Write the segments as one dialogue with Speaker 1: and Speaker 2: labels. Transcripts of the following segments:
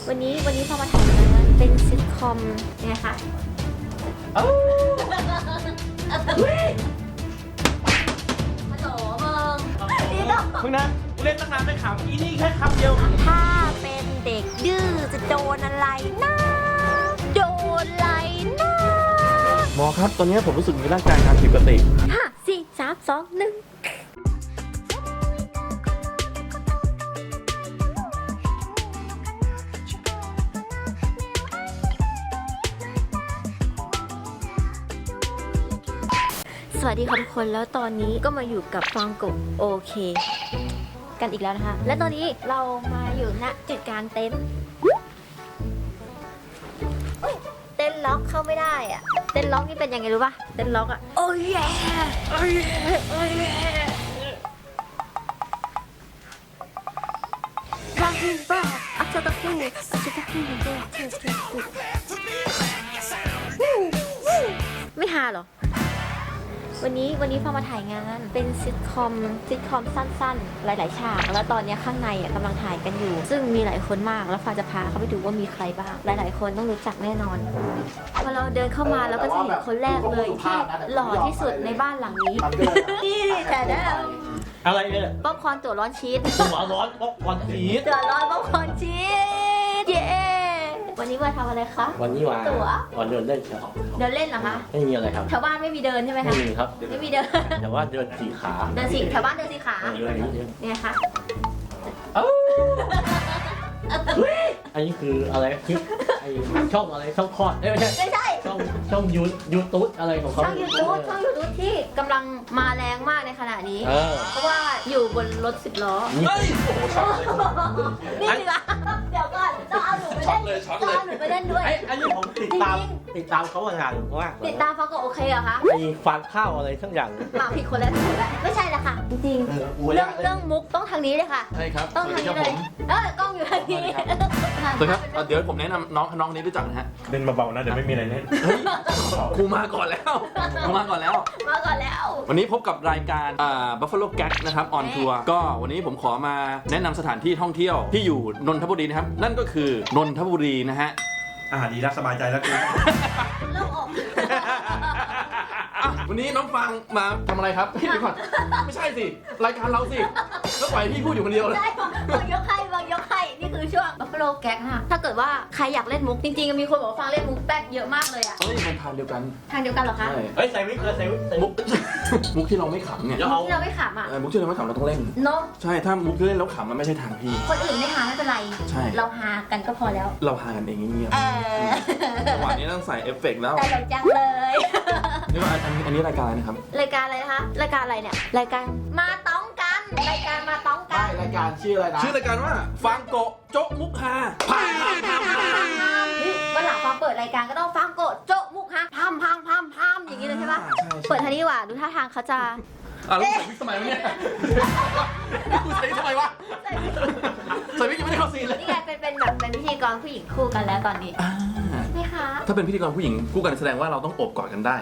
Speaker 1: วันนี้พอมาถ่ายงานเป็นซิทคอมไงคะฮัลโหลมึงนี่ต้อง
Speaker 2: มึงนะกูเล่นตั้งนานไม่ขำอีนี่แค่คำเดียว
Speaker 1: ถ้าเป็นเด็กดื้อจะโดนอะไรนะโดนอะไรนะ
Speaker 2: หมอครับตอนนี้ผมรู้สึกมีร่างกายการผิดปกติ
Speaker 1: 5 4 3 2 1สวัสดีค่ะทุกคนแล้วตอนนี้ก็มาอยู่กับฟังกบโอเคกันอีกแล้วนะคะ และตอนนี้เรามาอยู่ณจุดกลางเต็นท์เต็นท์ล็อกเข้าไม่ได้อะเต็นท์ล็อกนี่เป็นยังไงรู้ป่ะเต็นท์ล็อกอะโอ้ยแย่โอ้ยแย่โอ้ยแย่รักยิ่งบ้าอัจฉริยะอัจฉริยะไม่ฮาหรอวันนี้พอมาถ่ายงานเป็นซิทคอมสั้นๆหลายๆฉากแล้วตอนนี้ข้างในกำลังถ่ายกันอยู่ซึ่งมีหลายคนมากแล้วฟ้าจะพาเขาไปดูว่ามีใครบ้างหลายๆคนต้องรู้จักแน่นอนพอเราเดินเข้ามาแล้วก็จะเห็นคนแรกเลยที่หล่อที่สุดในบ้านหลังนี้นี่แต่ได้
Speaker 2: อะไรเนี่ย
Speaker 1: ป๊อปคอร์นตัวร้อนชีส
Speaker 2: หัวร้อนป๊อกวันสี
Speaker 1: ตัวร้อนป๊อปคอร์นชีสเย้วันนี้มาทำอะไรคะ
Speaker 3: วันนี้ว่า
Speaker 1: ตั๋ว
Speaker 3: วันเดินเล่นครับ
Speaker 1: เดินเล่นเหรอคะ
Speaker 3: ไม่มีอะไรครับ
Speaker 1: แถวบ้านไม่มีเดินใช่ไหม
Speaker 3: ไม่
Speaker 1: คะ
Speaker 3: มีครับ
Speaker 1: ไม่มีเดิน
Speaker 3: แต่ว่าเดินสี่ขา
Speaker 1: เดินสิแถวบ้านเดินสิขา
Speaker 3: เดินนิดนึง
Speaker 1: เนี่ยค่ะ
Speaker 3: อันนี้คืออะไรคลิปไอช่องอะไรช่องคลอดไม่ใช่
Speaker 1: ไม่ใช่
Speaker 3: ช่องยูทูบอะไรของเขา
Speaker 1: ช่องยูทูบที่กำลังมาแรงมากในขณะนี้ เพราะว่าอยู่บนรถ10 ล้อ
Speaker 3: นี่
Speaker 2: เฮ้ยโอ้โหช็อตเลย
Speaker 1: นี่เหรอเดี๋ยวก่อนต้องเอาหนูไปเล่นต้องเอาหนูไปเล่นด้วย
Speaker 3: อันนี้ผมติดตามเขามานานมาก
Speaker 1: ติดตามฟังก็โอเคเหรอคะ
Speaker 3: ไอฟางข้าวอะไรทั้งอย่าง
Speaker 1: มาผิดคนแล้วไม่ใช่ละค่ะ จริงๆเรื่องมุกต้องทางนี้เลยค่ะ
Speaker 4: ใช่ครับ
Speaker 1: ต้องทางนี้เลยกล้องอยู่ทางนี้
Speaker 4: สวัสดีครับเดี๋ยวผมแนะนำน้องนี้รู้จักนะฮะ
Speaker 2: เล่นเบาๆนะเดี๋ยวไม่มีอะไรเล่น
Speaker 4: ครูมาก่อนแล้วครูมาก่อนแล้ว
Speaker 1: มาก่อนแล้ว
Speaker 4: วันนี้พบกับรายการBuffalo Gag นะครับออนทัวร์ก็วันนี้ผมขอมาแนะนำสถานที่ท่องเที่ยวที่อยู่นนทบุรีนะครับ นั่นก็คือนนทบุรีนะฮะ
Speaker 2: ดีแล้วสบายใจแล้วกู
Speaker 1: เริ่มออก
Speaker 4: อ่ะวันนี้น้องฟังมาทำอะไรครับพี่ก่อนไม่ใช่สิรายการเราสิแล้วปล่อยพี่พูดอยู่คนเดียวเลย
Speaker 1: ได้บางยกให้นี่คือช่วง Buffalo Gag ค่ะถ้าเกิดว่าใครอยากเล่นมุกจริงๆมีคนบอกว่าฟังเล่นมุกแป๊กเยอะมากเลยอะ
Speaker 4: เฮ้ยมันทางเดียวกัน
Speaker 1: ทางเดียวกันเหรอคะ
Speaker 4: ใช่
Speaker 2: เฮ้ยใส่วิกเลยใส่วิก
Speaker 4: มุกที่เราไม่ขำเนี่ย
Speaker 1: ที่เราไม่ขำอ่ะ
Speaker 4: มุกที่เราไม่ขำเราต้องเล่น
Speaker 1: เนาะ
Speaker 4: ใช่ถ้ามุกที่เล่นแล้วขำมันไม่ใช่ทางพี่
Speaker 1: คนอื่นไม่หาไม่เป็นไร
Speaker 4: ใช่
Speaker 1: เราหากันก็พอแล้ว
Speaker 4: เราหากันเองเงียบๆจังหวะนี้ต้องใส่เอฟเฟกต์แล้ว
Speaker 1: แต่เราจังเลย
Speaker 4: นี่ว่าอันนี้รายการอะไรนะครับ
Speaker 1: รายการอะไรนะคะรายการอะไรเนี่ยรายการมาต้องกันรายการมาต้องกัน
Speaker 3: รายการชื่ออะไรนะ
Speaker 4: ชื่อรายการว่าฟังโกะโจ๊ะมุกฮาพามพามพามพาม
Speaker 1: วันหลังพอเปิดรายการก็ต้องฟังโกดโจ๊ะมุกฮะพัมอย่างนี้เลยใช่ปะเปิดทางนี้ดีกว่าดูท่าทางเขาจะ
Speaker 4: แล้วใส่วิกทำไมวะเนี่ยกูใส่วิกทำไมวะใส่วิกยังไม่ได้เข้าซีนเลย
Speaker 1: นี่ไงเป็นแบบเป็นพิธีกรผู้หญิงคู่กันแล้วตอนนี้ไหมคะ
Speaker 4: ถ้าเป็นพิธีกรผู้หญิงคู่กันแสดงว่าเราต้องโอบกอดกันได้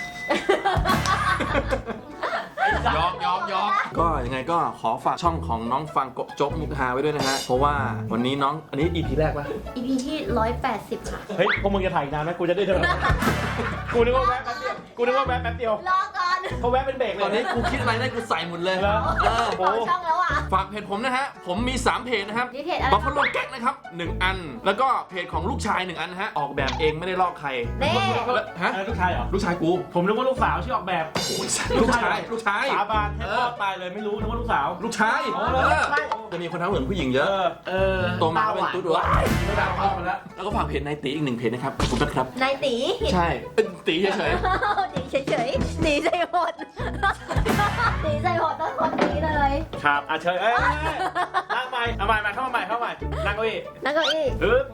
Speaker 4: ยอมก็ยังไงก็ขอฝากช่องของน้องฟังโกะโจ๊กมุกฮาไว้ด้วยนะฮะเพราะว่าวันนี้น้องอันนี้ EP แรกปะ
Speaker 1: EP ที่180ค่ะ
Speaker 2: เฮ้ยพวกมึงจะถ่ายนานไหมกูจะได้เท่าไหร่กูนึกว่าแวะแป๊บเดียว
Speaker 1: รอก่อน
Speaker 2: เขาแวะเป็นเบรกเลย
Speaker 4: ตอนนี้กูคิดอะไรได้กูใส่หมดเลย
Speaker 2: แล้ว
Speaker 1: เปิดช่องแล้วอ่ะ
Speaker 4: ฝากเพจผมนะฮะผมมี3เพจนะครับ
Speaker 1: นี่เพจอะไร
Speaker 4: บัฟฟาโลแก๊กนะครับ1อันแล้วก็เพจของลูกชาย1อันนะฮะออกแบบเองไม่ได้ลอกใคร
Speaker 1: เน่
Speaker 4: ฮะ
Speaker 2: ลูกชายเหรอ
Speaker 4: ลูกชายกู
Speaker 2: ผมนึกว่าลูกสาวชื่อออกแบบ
Speaker 4: ลูกชาย
Speaker 2: สาบานให้พ่อตายเลยไม่รู้นึกว่าลูกสาว
Speaker 4: ลูกชาย
Speaker 2: อ๋อ
Speaker 4: จะมีคนทั้งเหมือนผู้หญิงเยอะโตมาก็เป็นตุ๊ดวะแล้วก็ฝากเพจนายตีอีก1เพจนะครับขอบคุณนะครับ
Speaker 1: นายตี
Speaker 4: ใช่เป็นตีเฉย
Speaker 1: ตีเฉยๆหนีใจหดหนีใจหดต้องคนนี้เลย
Speaker 2: ครับเชิญนั่งใหม่เอาใหม่เข้ามาใหม่นั่งเก้าอี้
Speaker 1: แล้วก็อีก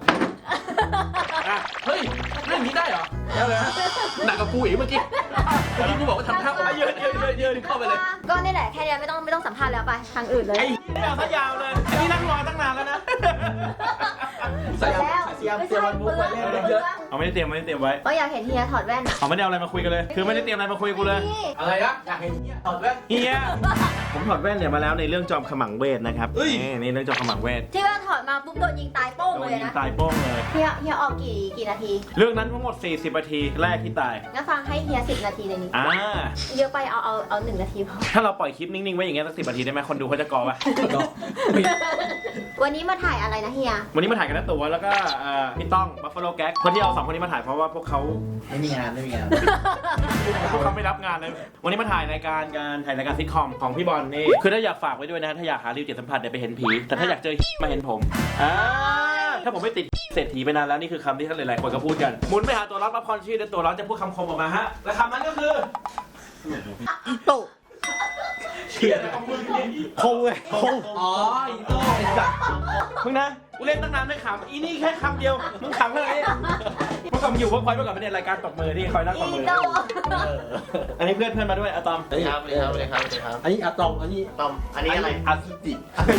Speaker 4: เฮ้ยเรื่องนี้ได้เหรอได้เลยหนักกับกูอีกเมื่อกี้กูบอกว่าทำท่ายืนเข้าไปเลย
Speaker 1: ก็นี่แหละแค่นี้ไม่ต้องสัมภาษณ์แล้วไปทางอื่นเลย
Speaker 2: ไอ้ไม่เอาซะยาวเลยอันนี้นั่งรอตั้งนานแล้วนะ
Speaker 4: ใส่
Speaker 1: แล้ว
Speaker 4: ส
Speaker 3: เตรียมมันมุกไปเล่นเยอะ
Speaker 2: เอาไม่ได้เตรียมไว้
Speaker 1: ก็อยากเห็นเฮียถอดแว่นอ่ะ
Speaker 2: เขาไม่ได้เอาอะไรมาคุยกันเลย คือไม่ได้เตรียมอะไรมาคุยกับกูเลย
Speaker 1: นี่
Speaker 3: อะไรนะอยากเห็นเนี่ยถอดแว่น
Speaker 2: เฮียผมถอดแว่นเนี่ยมาแล้วในเรื่องจอมขมังเวทนะครับนี่เรื่องจอมขมังเวท
Speaker 1: ที่ว่าถอดมาปุ๊บโดนยิงตายโป้ง
Speaker 2: โด
Speaker 1: เล
Speaker 2: น
Speaker 1: ย
Speaker 2: ยิง
Speaker 1: นะ
Speaker 2: ตายโป้งเลย
Speaker 1: เฮียออกกี่นาที
Speaker 2: เรื่องนั้นทั้งหมด40นาทีแรกที่ตาย
Speaker 1: งั้นฟังให้เฮีย10 นาทีในนี้ เยอะไปเอา1 นาทีพอ
Speaker 2: ถ้าเราปล่อยคลิปนิ่งๆไว้อย่างเงี้ยสัก10นาทีได้ไหมคนดูเขาจะกอปะ
Speaker 1: วันนี้มาถ่ายอะไรนะเฮีย
Speaker 2: วันนี้มาถ่ายกันนะตัวแล้วก็พี่ต้อง Buffalo Gag คนที่เอา2คนนี้มาถ่ายเพราะว่าพวกเขา
Speaker 3: ไม่มีงาน
Speaker 2: พวกเขาไม่รับงานเลย วันนี้มาถ่ายรายการซิทคอมของพี่บอลนี่ คือถ้าอยากฝากไว้ด้วยนะ ถ้าอยากหาริวจิตสัมผัสเนี่ยไปเห็นผี แต่ถ้าอยากเจอมาเห็นผมถ้าผมไม่ติดเศรษฐีไปนานแล้วนี่คือคำที่ท่านหลายๆคนก็พูดกัน หมุนไปหาตัวรับรับพรชีพและตัวรับจะพูดคำคมออกมาฮะ และคำนั้นก็คือ
Speaker 3: โต
Speaker 2: เชียร์คงเลยคง
Speaker 3: อ๋ออีโต้ไอ้สัตว์
Speaker 2: มึงนะ กูเล่นตั้งนานไม่ขำอีนี่แค่คำเดียว มึงขำเท่าไหร่เมื่อก่อนอยู่เมื่อก่อนเป็นรายการตบมือที่คอยนั่งตบมือ อันนี้เพื่อนมาด้วยอะตอม
Speaker 3: ครับอันนี้อะตอมอันนี้
Speaker 5: ตอม อันนี้อะไร
Speaker 3: อะซิจิ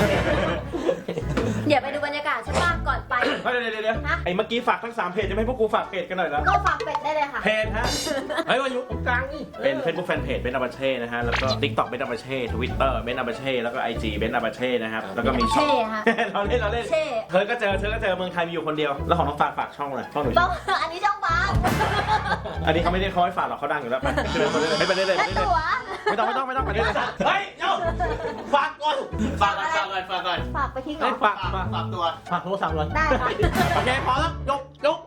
Speaker 1: เดี๋ยวไปดูบรรยากาศใช่ป่ะก่อนไป
Speaker 2: เดี๋ยวไอ้เมื่อกี้ฝากทั้ง3เพจจะไม่ให้พวกกูฝากเพจกันหน่อยแล้ว
Speaker 1: ก็ฝากเป็ดได้เลยค่ะ
Speaker 2: เพจฮะ
Speaker 3: เฮ้ยมาอยู่ตรงกลางนี่
Speaker 2: เป็น Facebook Fanpage เบนอาบาเช่นะฮะ แล้วก็ TikTok เบนอาบาเช่ Twitter เบนอาบาเช่ แล้วก็ IG เบนอาบาเช่นะครับ แล้วก็มีช่อง
Speaker 1: เช่ฮะ
Speaker 2: เราเล่น
Speaker 1: เช่
Speaker 2: เธอก็เจอเมืองไทยมีอยู่คนเดียว แล้วของน้องฝากช่องเลยช่องหนู
Speaker 1: ต้องอันนี้ช่องบาง
Speaker 2: อันนี้เขาไม่ได้เขาให้ฝากหรอกเขาดังอยู่แล้วไปไม่ไปเรื่อย
Speaker 1: และตัว
Speaker 2: ไม่ต้องไปเรื่อยเฮ้ยเดี๋ยวฝากก่อน
Speaker 5: ฝากก่อน
Speaker 1: ฝากไปที่ก่อ
Speaker 2: เฮ้ย
Speaker 1: น
Speaker 2: ฝาก
Speaker 5: ฝากตัว
Speaker 3: ฝากโทรศัพท์เลย
Speaker 1: ได้ค่ะ
Speaker 2: โอเคพอแล้วยก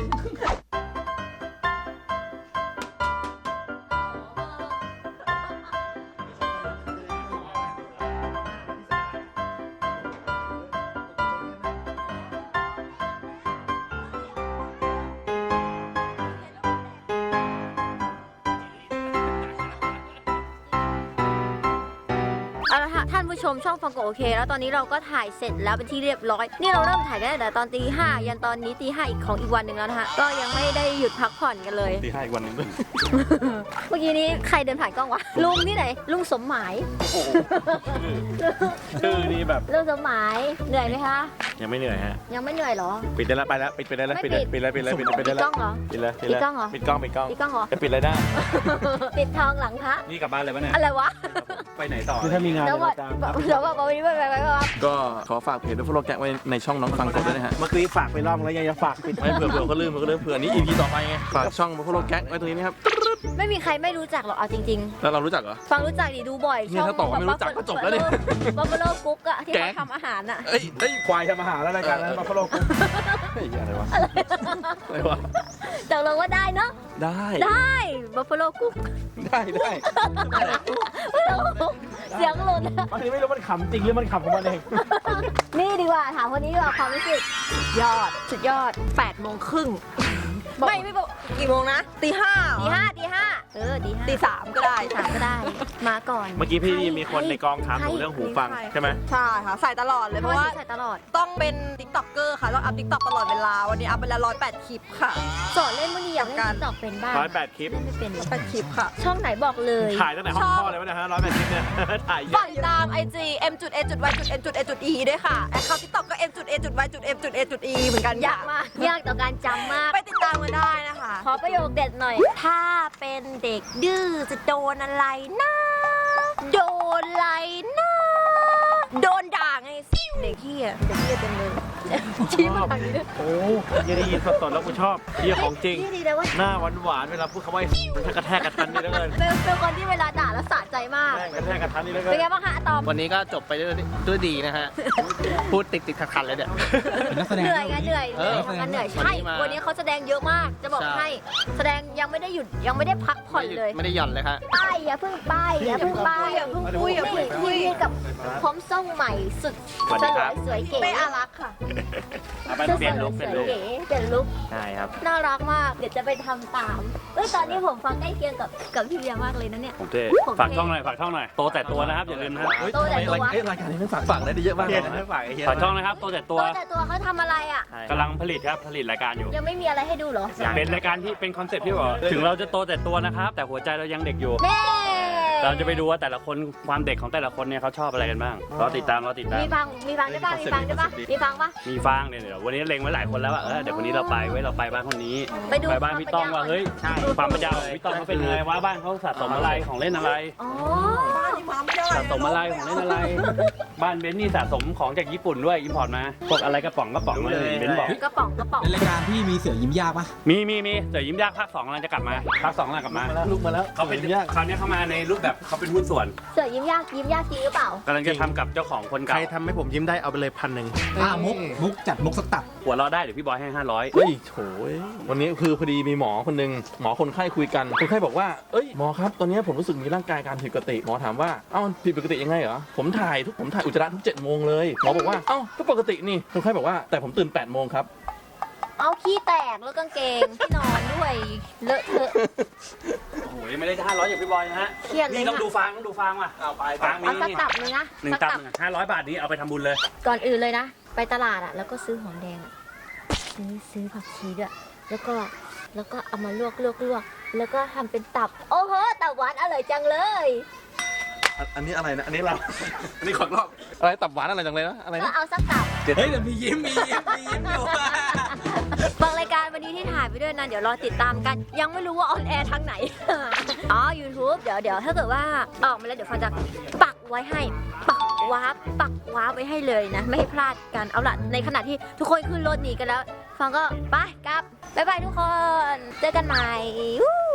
Speaker 1: เอาละค่ะท่านผู้ชมช่องฟังโกโอเค แล้วตอนนี้เราก็ถ่ายเสร็จแล้วเป็นที่เรียบร้อย นี่เราเริ่มถ่ายกันตั้งแต่ตอนตี 5ยันตอนนี้ตี 5อีกของอีกวันหนึ่งแล้วนะคะก็ยังไม่ได้หยุดพักผ่อนกันเลย
Speaker 2: ตี5อีกวันนึงด้วย
Speaker 1: เมื่อกี้นี้ใครเดินผ่านกล้องวะลุงที่ไหนลุงสมหมาย
Speaker 2: ชื่อนี่แบบ
Speaker 1: ลุงสมหมายเหนื่อยไหมคะ
Speaker 2: ยังไม่เหนื่อยฮะ
Speaker 1: ยังไม่เหนื่อยเหรอ
Speaker 2: ปิดได้แล้วไปแล้วปิดได้แล้ว
Speaker 1: ไม่
Speaker 2: ปิด
Speaker 1: ปิด
Speaker 2: ปิดแล้ว
Speaker 1: ปิดกล้องเหรอ
Speaker 2: ปิดแล้ว
Speaker 1: ปิดกล้องเหรอ
Speaker 2: ปิดกล้อง
Speaker 1: ปิดกล้องเหรอ
Speaker 2: จะปิดอะไรได้
Speaker 1: ปิดทองหลังพระ
Speaker 2: นี่กลับบ้านเลยปะเนี่ย
Speaker 1: อะไรวะ
Speaker 2: ไปไหนต่อคือถ้ามีงาน
Speaker 1: แล้วว่าแล้วว่าวันนี้ไปว่า
Speaker 4: ก็ขอฝากเพจ Buffalo Gag ไว้ในช่องน้องฟังกดด้วยนะฮะ
Speaker 2: เมื่อกี้ฝากไปรอบแล้วยังจะฝากปิด
Speaker 4: ไม่เผื่อเขาลืมเผื่อนี้ EP ต่อไปไง ฝากช่อง Buffalo Gag ไว้ตรงนี้นะครับ
Speaker 1: ไม่มีใครไม่รู้จักหรอกเอาจริง
Speaker 4: แล้วเรารู้จักเหรอ
Speaker 1: ๆ ฟังรู้จักดิดูบ่อย
Speaker 4: เนี่ยถ้าตอบว่าไม่รู้จักก็จบแล้วเนี่ย
Speaker 1: บัฟเฟโลกุ๊กอะที่
Speaker 4: แก
Speaker 1: เขา
Speaker 4: ง
Speaker 1: ทำอาหารอะ
Speaker 4: เอ้ย
Speaker 2: ควายทำอาหารแล้วรายการนั้นมาฟอลโล่กู
Speaker 4: เฮ้ยอะไรวะอะไรวะ
Speaker 1: ตกลงว่าได้เนาะ
Speaker 4: ได้
Speaker 1: ได้บัฟเฟโลกุ๊ก
Speaker 4: ได้
Speaker 1: เสียงหลุด
Speaker 2: บางทีไม่รู้มันขำจริงหรือมันขำของมันเอง
Speaker 1: นี่ดีกว่าถามคนนี้ดีกว่าความรู้สึกยอดสุดยอด
Speaker 6: 8 โมงครึ่งไม่บอกกี่โมงนะตี 5
Speaker 1: ตีห้าตี
Speaker 6: ตี 3 ก็ได้
Speaker 1: ตีสามก็ได้ มาก่อน
Speaker 2: เมื่อกี้พี่มีคนในกองถามหนูเรื่องหูฟังใช่ไหม
Speaker 6: ใช่ค่ะ ใส่ตลอดเลย เพราะว่า
Speaker 1: ใส่ตลอด
Speaker 6: ต้องเป็น TikToker ค่ะ ต้องอัพ TikTok ตลอดเวลา วันนี้อัพไปแล้ว108 คลิปค่ะ
Speaker 1: สอนเล่นมื่อนี้อยากเล่นติ๊กต็อกเป็นบ้าง
Speaker 2: 108 คลิป
Speaker 1: เล่นไม่เป็น
Speaker 6: 8 คลิปค่ะ
Speaker 1: ช่องไหนบอกเลย
Speaker 2: ถ่ายตั้งแต่ห้องพ่อเลยวะเนี่ยฮะ108 คลิปเนี่ย ถ่ายเย
Speaker 6: ฝา
Speaker 2: อะ
Speaker 6: กติดตาม IG m.a.y.n.a.e ด้วยค่ะแอคเคาท์ TikTok ก็ m.a.y.m.a.e เหมือนกัน
Speaker 1: ยากมากยากต่อการจำมาก
Speaker 6: ไปติดตามกันได้นะคะ
Speaker 1: ขอประโยคเด็ดหน่อย ถ้าเป็นเด็กดื้อจะโดนอะไรนะ โดนอะไรนะ
Speaker 6: โดนด่าไงเด็กเหี้ยเต็มเลย
Speaker 1: ชี้มาทางนี้ด้วย
Speaker 2: โอ้ยได้ยินสดๆแล้วกูชอบเฮียของจริง
Speaker 1: นี่ดีเลยว่า
Speaker 2: หน้าหวานๆเวลาพูดคำว่ามันกระแทกกระทันนี่แล้วเกิน
Speaker 1: เป็นคนที่เวลาด่าแล้วสะใจมาก
Speaker 2: แม่งกระแทกกระทันนี่แล้วเกิ
Speaker 1: เป็น
Speaker 2: น
Speaker 1: ไงบ้างคะอะตอม
Speaker 5: วันนี้ก็จบไปด้วยดีนะฮะ พูดติดขัดๆเลยเนี่ย
Speaker 1: เหนื่อยไงเหนื่อย
Speaker 5: เออ
Speaker 1: ทำงานเหนื่อยใช่
Speaker 5: วันนี้มา
Speaker 1: วันนี้เขาแสดงเยอะมาก จะบอก
Speaker 5: ใช่
Speaker 1: ให้ แสดงยังไม่ได้หยุดยังไม่ได้พักผ่อนเลย
Speaker 5: ไม่ได้หย่อนเลยครับ
Speaker 1: ป้ายอย่าเพิ่งป้ายอย่าเพิ่งป้าย
Speaker 6: อย่าเพิ่งคุยอย่าเพิ่งคุย
Speaker 1: นี่กับผมทรงใหม่สุด
Speaker 2: สวัส
Speaker 1: ส
Speaker 2: ดี
Speaker 1: ล
Speaker 2: ครั
Speaker 1: ว
Speaker 2: บ
Speaker 1: ยสวยเก๋
Speaker 6: เป้อารักค่ะ
Speaker 2: เอาไปเปลี่ยนลุค
Speaker 1: สวยเก๋เปลี่ยนลุค
Speaker 2: ใช่ครับ
Speaker 1: น่ารักมาก เดี๋ยวจะไปทำตามตอนนี้ผมฟังใกล้เคียงกับพี่เบียร์มากเลยนะเนี่ย
Speaker 2: ผมเท่
Speaker 1: ผมเท่
Speaker 2: ฝากช่องหน่อยโตแต่ตัวนะครับอย่าลืมนะฮะ
Speaker 1: โตแต่ตัว
Speaker 4: รายการนี้มันฝากได้เยอะมาก
Speaker 2: เฮี
Speaker 4: เลย ย
Speaker 2: ไม่
Speaker 4: นะ
Speaker 2: ฝากไอ้เฮีย
Speaker 7: ฝากช่องนะครับโตแต่ตัว
Speaker 1: โตแต่ตัวเขาทำอะไรอ่ะ
Speaker 7: กำลังผลิตรายการอยู่
Speaker 1: ยังไม่มีอะไรให้ดูเหรอ
Speaker 7: เป็นรายการที่เป็นคอนเซ็ปต์ที่บอกว่าถึงเราจะโตแต่ตัวนะครับ แต่หัวใจเรายังเด็กอยู่
Speaker 1: เน่
Speaker 7: กเราจะไปดูว่าแต่ละคนความเด็กของแต่ละคนเนี่ยเขาชอบอะไรกันบ้างรอติดตาม
Speaker 1: มีฟังได้ป่ะมีฟังได้ป่ะมีฟังป่ะ
Speaker 7: มีฟางเนี่ยเดี๋ยววันนี้เล็งไว้หลายคนแล้วว่าเดี๋ยววันนี้เราไปบ้านคนนี้
Speaker 1: ไปดู
Speaker 7: บ้านพี่ต้องว่าเฮ้ยความประหยัดของพี่ต้องเขาเป็นยังไงว่าบ้านเขาสะสมอะไรของเล่นอะไร
Speaker 1: อ๋อ
Speaker 7: สะสมอะไรของเล่นอะไร บ้านเบนซ์นี่สะสมของจากญี่ปุ่นด้วยอิมพอร์ตมาพวกอะไรกระป๋องเลยเบนซ์บอก
Speaker 1: กระป๋อง
Speaker 8: ในรายการพี่มีเสือยิ้มยากปะ
Speaker 7: มีเดี๋ยวยิ้มยากภาค2กำลังจะกลับมาภาค2กำลังกลับมา
Speaker 3: ลุกมาแล้ว
Speaker 7: เขาเป็นคราวนี้เขามาในรูปแบบเขาเป็นหุ้นส่วน
Speaker 1: เสือยิ้มยากจริงหรือเปล่าก
Speaker 7: ำลังจะทำกับเจ้าของคน
Speaker 5: ใคร
Speaker 7: เก่า
Speaker 5: ทำให้ผมยิ้มได้เอาไปเลย1,000
Speaker 8: มุกจัดมุกสักตับ
Speaker 7: หัวเราะได้เดี๋ยวพี่บอยให้500
Speaker 4: เฮ้ยโถยวันนี้คือพอดีมีหมอคนหนึ่งหมอคนไข้คุยกันคนไข้บอกว่าเอ้ยหมอครับตอนนี้ผมรู้สึกมีร่างกายการผิดปกติหมอถามว่าเอ้าผิดปกติยังไงเหรอผมถ่ายอุจจาระทุก7 โมงเลยหมอบอกว่าเอ้าก็ปกตินี่คนไข้บอกว่าแต่ผมตื่น8 โมงครับ
Speaker 1: เอาขี้แตกแล้วกางเกงที่นอนด้วยเลอะเทอะ
Speaker 7: โอ้โหยังไม่ได้500อย่างพี่บอยนะฮะ
Speaker 1: เครียดเลย
Speaker 7: นี่
Speaker 1: นะ
Speaker 7: ต้องดูฟางว่ะเอาไปฟางมี
Speaker 1: เอาสัก
Speaker 7: นี่
Speaker 1: ตับนึงนะ
Speaker 7: หนึ่ง
Speaker 1: สัก
Speaker 7: ตับ
Speaker 1: ตับ
Speaker 7: 500 บาทนี้เอาไปทำบุญเลย
Speaker 1: ก่อนอื่นเลยนะ ไปตลาดอะแล้วก็ซื้อหอมแดงอะซื้อผักชีด้วยแล้วก็เอามาลวกแล้วก็ทำเป็นตับ โอ้โหตับหวานอร่อยจังเลย
Speaker 4: อันนี้อะไรนะอันนี้เราอันนี้ขอรอบอะไรตับหวานอะไรจังเลยนะอะไร
Speaker 1: ก็
Speaker 4: นะ
Speaker 1: เอาสักตับ
Speaker 8: เฮ้ยแต่มียิ้มอยู่
Speaker 1: บางรายการวันนี้ที่ถ่ายไปด้วยนะเดี๋ยวรอติดตามกัน ยังไม่รู้ว่าออนแอร์ทางไหน อ๋อ YouTube เดี๋ยวถ้าเกิดว่าออกมาแล้วเดี๋ยวฟังจะปักไว้ให้ปักวาร์ปไว้ให้เลยนะ ไม่ให้พลาดกันเอาล่ะในขณะที่ทุกคนขึ้นรถหนีกันแล้ว ฟังก็ไปกลับบ๊ายบายทุกคนเจอกันใหม่